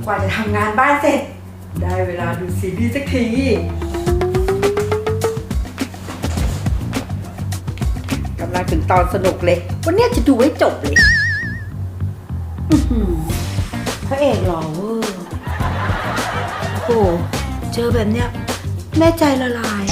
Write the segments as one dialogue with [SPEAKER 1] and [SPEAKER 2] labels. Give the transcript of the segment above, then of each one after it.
[SPEAKER 1] ว่าจะทำงานบ้านเสร็จได้เวลาดูซีรีส์สักทีกำลังถึงตอนสนุกเลยวันนี้จะดูให้จบเลยพระเอกหล่อเวอร์โอ้เจอแบบเนี้ยแม่ใจละลาย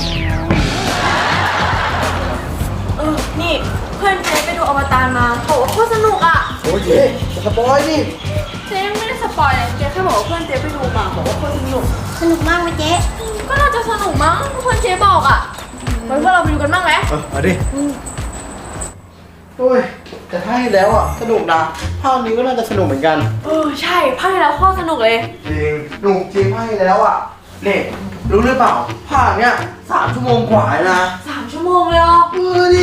[SPEAKER 2] นี่เพื่อนเจ๊ไปดูอวตารมาโหโคตรสนุกอ่ะ
[SPEAKER 3] โอ้ยเจ๊สปอยนี่
[SPEAKER 2] เจ๊ไม่ได้สปอยเลยเจ๊แค่บอกว่าเพื่อนเจ๊ไปดูมาบอกว่าโคตรสนุก
[SPEAKER 4] มากไหมเจ๊
[SPEAKER 2] ก็น่าจะสนุกมั้งเพื่อนเจ๊บอกอ่ะไว้พวกเราไปดูกันบ้างไหม
[SPEAKER 3] เอาดิโอ้ยแต่ถ้าให้แล้วอ่ะสนุกนะภาคนี้ก็น่าจะสนุกเหมือนกัน
[SPEAKER 2] ใช่ภาคที่แล้วโคตรสนุกเลย
[SPEAKER 3] จริงหนุกจริงภาคที่แล้วอ่ะเนี่ยรู้หรือเปล่าภาคเนี้ย3 ชั่วโมงกว่านะ
[SPEAKER 2] 3 ชั่วโมงเลย
[SPEAKER 3] ดิ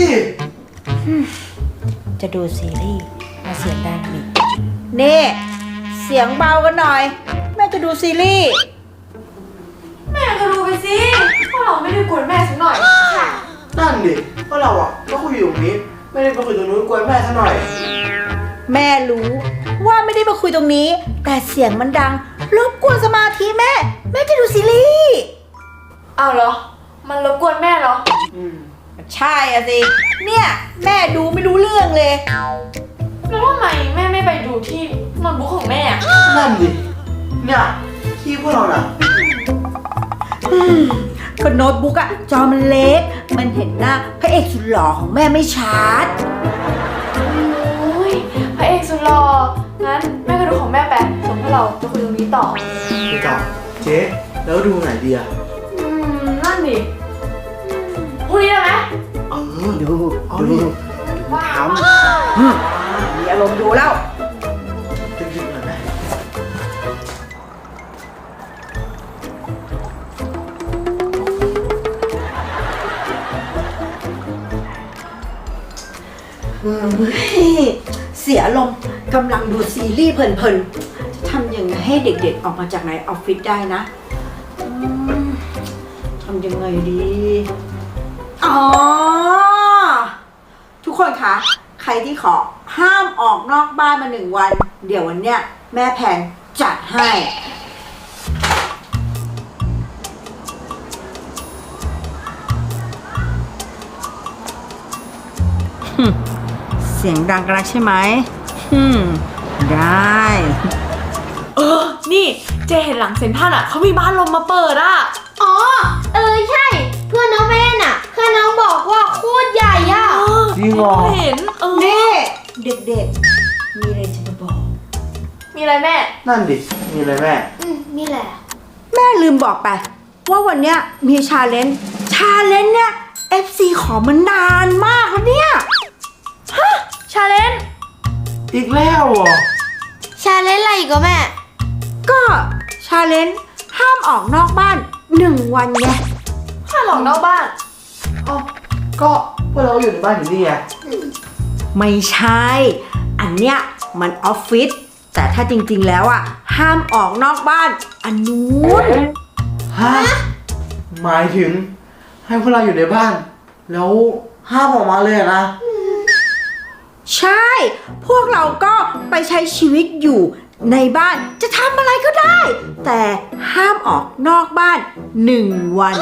[SPEAKER 1] จะดูซีรีส์มาเสียงดังอีกนี่เสียงเบากันหน่อยแม่จะดูซีรีส์
[SPEAKER 2] แม่ก็ดูไปสิพวกเราไม่ได้กวนแม่สักหน่อย
[SPEAKER 3] นั่นดิเพราะเราอ่ะก็คุยอยู่ตรงนี้ไม่ได้ไปคุยตรงนู้นกวนแม่ซะหน่อย
[SPEAKER 1] แม่รู้ว่าไม่ได้มาคุยตรงนี้แต่เสียงมันดังรบกวนสมาธิแม่จะดูซีรีส์
[SPEAKER 2] เอาเหรอมันรบกวนแม่เหรอ
[SPEAKER 1] ใช่อะสิเนี่ยแม่ดูไม่รู้เรื่องเลย
[SPEAKER 2] แล้วทำไมแม่ไม่ไปดูที่โน้ตบุ๊กของแม่
[SPEAKER 3] นั่นดิเนี่ยที่พวกเราน่ะ
[SPEAKER 1] ก็โน้ตบุ๊กอะจอมันเล็กมันเห็นหน้าพระเอกสุดหล่อของแม่ไม่ชัด
[SPEAKER 2] โอ้ยพระเอกสุดหล่องั้นแม่ก็ดูของแม่ไปส่วนพวกเราจะคุยตรงนี้ต่อ
[SPEAKER 3] ดูต่อเจ๊แล้วดูไหนดีอะ
[SPEAKER 2] นั่นดิพรุ่งนี้ได้ไหม
[SPEAKER 3] ดู
[SPEAKER 2] ว้าว
[SPEAKER 1] มีอารมณ์ดูแล้ว
[SPEAKER 3] ดึกๆหน่อยไหม
[SPEAKER 1] เสียอารมณ์กำลังดูซีรีส์เพลินๆจะทำยังไงให้เด็กๆออกมาจากในออฟฟิศได้นะทำยังไงดีอ๋อทุกคนคะใครที่ขอห้ามออกนอกบ้านมา1 วันเดี๋ยววันเนี้ยแม่แพนจัดให้เสียงดังกันแล้วใช่ไหมได้
[SPEAKER 2] นี่เจเห็นหลังเซ็นทรัลอ่ะเขามีบ้านลมมาเปิดอ่ะ
[SPEAKER 4] อ๋อใช่เพื่อนน้องไม่เล่นอ่ะเพื่อนน้องบอกว่าโคตรใหญ่อ่ะ
[SPEAKER 3] จริงเหรอ
[SPEAKER 2] เห็น
[SPEAKER 1] นี่เด็กๆมีอะไรจะบอก
[SPEAKER 2] มีอะไรแม่
[SPEAKER 3] นั่นดิมีอะไรแม่
[SPEAKER 4] นี่แหละ
[SPEAKER 1] แม่ลืมบอกไปว่าวันเนี้ยมีชาเลนจ์เนี่ย FC ขอมานานมากแล้วเนี่ย
[SPEAKER 2] ชาเลนจ์
[SPEAKER 3] อีกแล้วเหรอ
[SPEAKER 4] ชาเลนจ์อะไรอีกแม่
[SPEAKER 1] ก็ชาเลนจ์ห้ามออกนอกบ้าน1 วันไง
[SPEAKER 2] ห้ามออกนอกบ้าน
[SPEAKER 3] ก็พวกเราอยู่ในบ้านอยู่นี่ไง
[SPEAKER 1] ไม่ใช่อันเนี้ยมันออฟฟิศแต่ถ้าจริงๆแล้วอ่ะห้ามออกนอกบ้านอันนู้น
[SPEAKER 3] ฮะหมายถึงให้พวกเราอยู่ในบ้านแล้วห้ามออกมาเลยนะ
[SPEAKER 1] ใช่พวกเราก็ไปใช้ชีวิตอยู่ในบ้านจะทำอะไรก็ได้แต่ห้ามออกนอกบ้าน1 วัน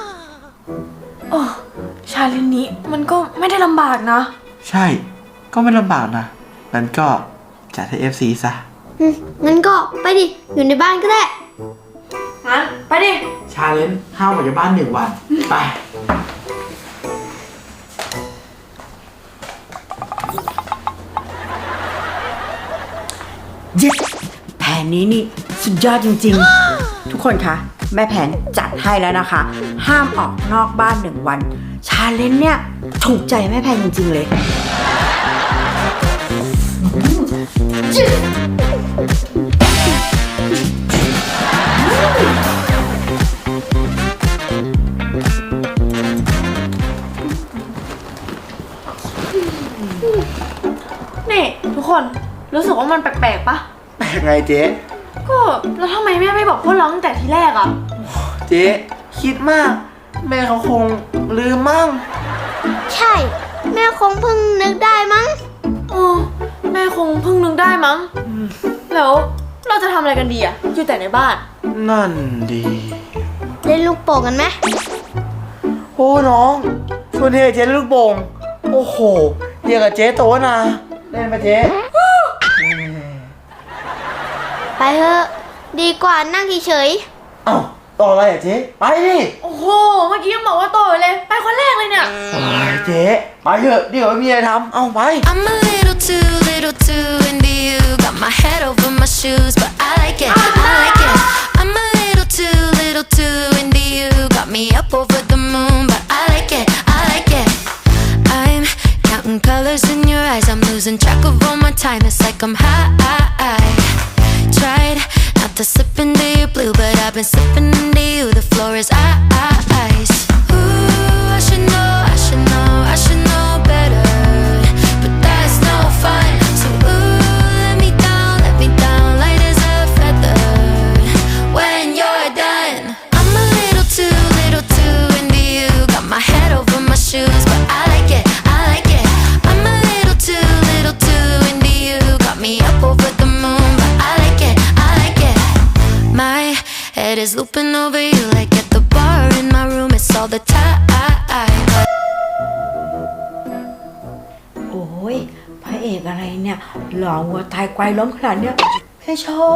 [SPEAKER 2] ชาเลนจ์นี้มันก็ไม่ได้ลำบากนะ
[SPEAKER 3] ใช่ก็ไม่ลำบากนะงั้นก็จัดให้ FC ซะ
[SPEAKER 4] งั้นก็ไปดิอยู่ในบ้านก็ได้
[SPEAKER 2] งั้นไปดิ
[SPEAKER 3] ชาเลนจ์ห้ามออกจากบ้าน1 วันไป
[SPEAKER 1] เย้แผนนี้นี่สุดยอดจริงๆทุกคนคะแม่แผนจัดให้แล้วนะคะห้ามออกนอกบ้าน1 วันชาเลนจ์เนี่ยถูกใจแม่แผนจริงๆเลย
[SPEAKER 2] นี่ทุกคนรู้สึกว่ามันแปลกๆปะ
[SPEAKER 3] แปลกไงเจ๊
[SPEAKER 2] ก็แล้วทำไมแม่ไม่บอกพวกเราตั้งแต่ทีแรกอ่ะ
[SPEAKER 3] เจ๊คิดมากแม่เขาคงลืมมั่ง
[SPEAKER 4] ใช่แม่คงเพิ่งนึกได้มั้ง
[SPEAKER 2] แม่คงเพิ่งนึกได้มั้งแล้วเราจะทำอะไรกันดีอะอยู่แต่ในบ้าน
[SPEAKER 3] นั่นดี
[SPEAKER 4] เล่นลูกโป่งกันไหม
[SPEAKER 3] โอ้น้องชวนเฮียเจ๊เล่นลูกโป่งโอ้โหเฮียกับเจ๊โตนะเล่นปะเจ๊
[SPEAKER 4] ไปเถอะดีกว่านั่งเฉย
[SPEAKER 3] เอ้าต่ออะไรอ่ะเจ๊ไปดิ
[SPEAKER 2] โอ้โห เมื่อกี้ยังบอกว่าโตอยู่เลย ไปคนแรกเลยเนี่ย
[SPEAKER 3] เจ๊ไปเถอะเดี๋ยวไม่มีอะไรทำเอาไป
[SPEAKER 5] I'm a little too into you. Got my head over my shoes, but I like it, I like it. I'm a little too into you. Got me up over the moon, but I like it, I like it. I'm counting colors in your eyes. I'm losing track of all my time. It's like I'm high. Tried not to slip into your blue, but I've been slipping into you. The floor is ice. Ooh, I should know, I should know, I should know better. But that's no fun. So ooh, let me down, light as a feather. When you're done, I'm a little too into you. Got my head over my shoes, but I like it, I like it. I'm a little too into you. Got me up over the moon, but I like it, I like it. My head is looping over you like at the bar in my room. It's all the time.
[SPEAKER 1] โอ้ยพระเอกอะไรเนี่ยหล่อวัวตายควายล้มขนาดเนี้ยให้ชอบ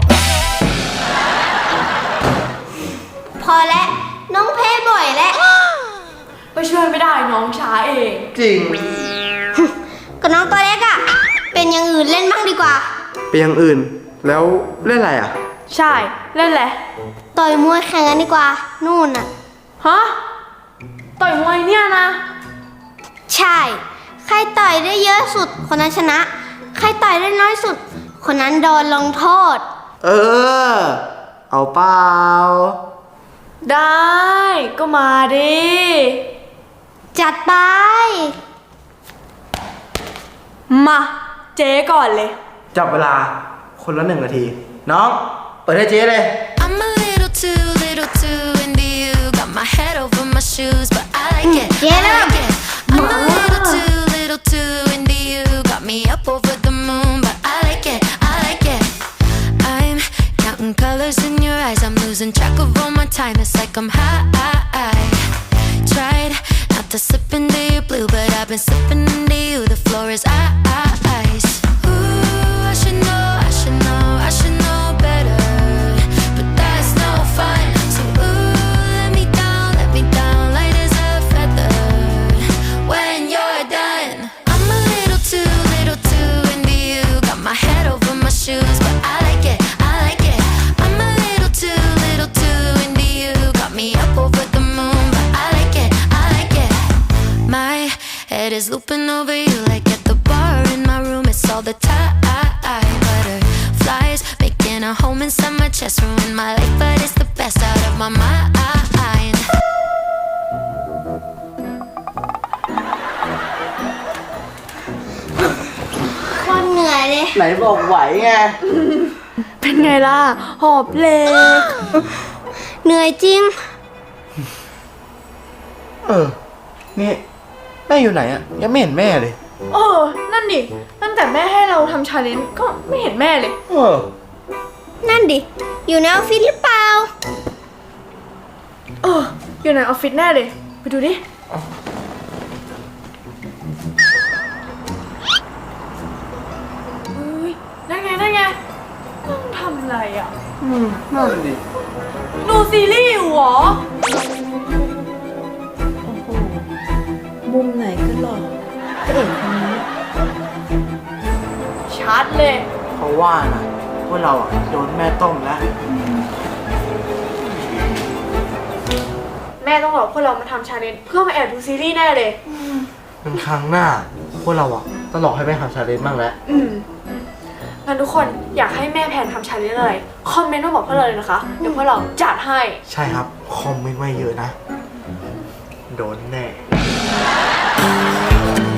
[SPEAKER 4] ๆ พอแล้วน้องแพ้บ่อยแล้ว
[SPEAKER 2] ไปช่วยไม่ได้น้องช้าเอง
[SPEAKER 3] จริง
[SPEAKER 4] ก็น้องตัวเล็กอะเป็นอย่างอื่นเล่นบ้างดีกว่า
[SPEAKER 3] ไปอย่างอื่นแล้วเล่นอะไรอ่ะ
[SPEAKER 2] ใช่ เล่นแหละ
[SPEAKER 4] ต่อยมวยแข่งกันดีกว่า นู่นน่ะ
[SPEAKER 2] ฮะ ต่อยมวยเนี่ยนะ
[SPEAKER 4] ใช่ ใครต่อยได้เยอะสุด คนนั้นชนะ ใครต่อยได้น้อยสุด คนนั้นโดนลงโทษ
[SPEAKER 3] เออเอาเปล่า
[SPEAKER 2] ได้ ก็มาดิ
[SPEAKER 4] จัดไป
[SPEAKER 2] มา เจ๊ก่อนเลย
[SPEAKER 3] จับเวลาคนละ1 นาที น้องเปิดให้เจ๊เลย
[SPEAKER 5] I'm a little too into you. Got my head over my shoes, but I like it, I like it. I'm a little too into you. Got me up over the moon, but I like it, I like it. I'm counting colors in your eyes. I'm losing track of all my time. It's like I'm high. Tried not to slip into your blue, but I've been slipping into you. The floor is ice. Ooh, I should know, I should know, I should know better. But that's no fun. So ooh, let me down, light as a feather. When you're done, I'm a little too into you. Got my head over my shoes, but I like it, I like it. I'm a little too into you. Got me up over the moon, but I like it, I like it. My head is looping over you like at the bar in my room. It's all the time. Butterflies making a home inside my chest. Ruin my life, but it's the best out of my mind.
[SPEAKER 4] คนเหนื่อยเลย
[SPEAKER 3] ไหนบอกไหวไง
[SPEAKER 2] เป็นไงล่ะ หอบเหล็ก
[SPEAKER 4] เหนื่อยจริง
[SPEAKER 3] นี่แม่อยู่ไหนอ่ะยังไม่เห็นแม่เลย
[SPEAKER 2] เออ นั่นดิ ตั้งแต่แม่ให้เราทำชาเลนจ์ก็ไม่เห็นแม่เลย
[SPEAKER 4] นั่นดิ อยู่ในออฟฟิศหรือเปล่า
[SPEAKER 2] เออ อยู่ในออฟฟิศแน่เลย ไปดูดิเฮ้ยนั่นไงต้องทำอะไรอ่ะ
[SPEAKER 3] นั่นดิ
[SPEAKER 2] ดูซีรีส์อยู่เหรอ
[SPEAKER 1] โอ้โหมุมไหนก็หล่อพระเอกคนนี้
[SPEAKER 2] ชัดเลย
[SPEAKER 3] เขาว่านะพวกเราอ่ะโดนแม่ต้มแล้ว
[SPEAKER 2] แม่ต้องหลอกพวกเรามาทำชาเลนจ์เพื่อมาแอบดูซีรีส์แน่เลย
[SPEAKER 3] เป็นครั้งหน้าพวกเราอ่ะต้องหลอกให้แม่ทำชาเลนจ์บ้างแล้ว
[SPEAKER 2] งั้นทุกคนอยากให้แม่แพนทำชาเลนจ์อะไร คอมเมนต์มาบอกพวกเราเลยนะคะ เดี๋ยวพวกเราจัดให้
[SPEAKER 3] ใช่ครับ คอมเมนต์ไว้เยอะนะ โดนแน่
[SPEAKER 5] Ooh,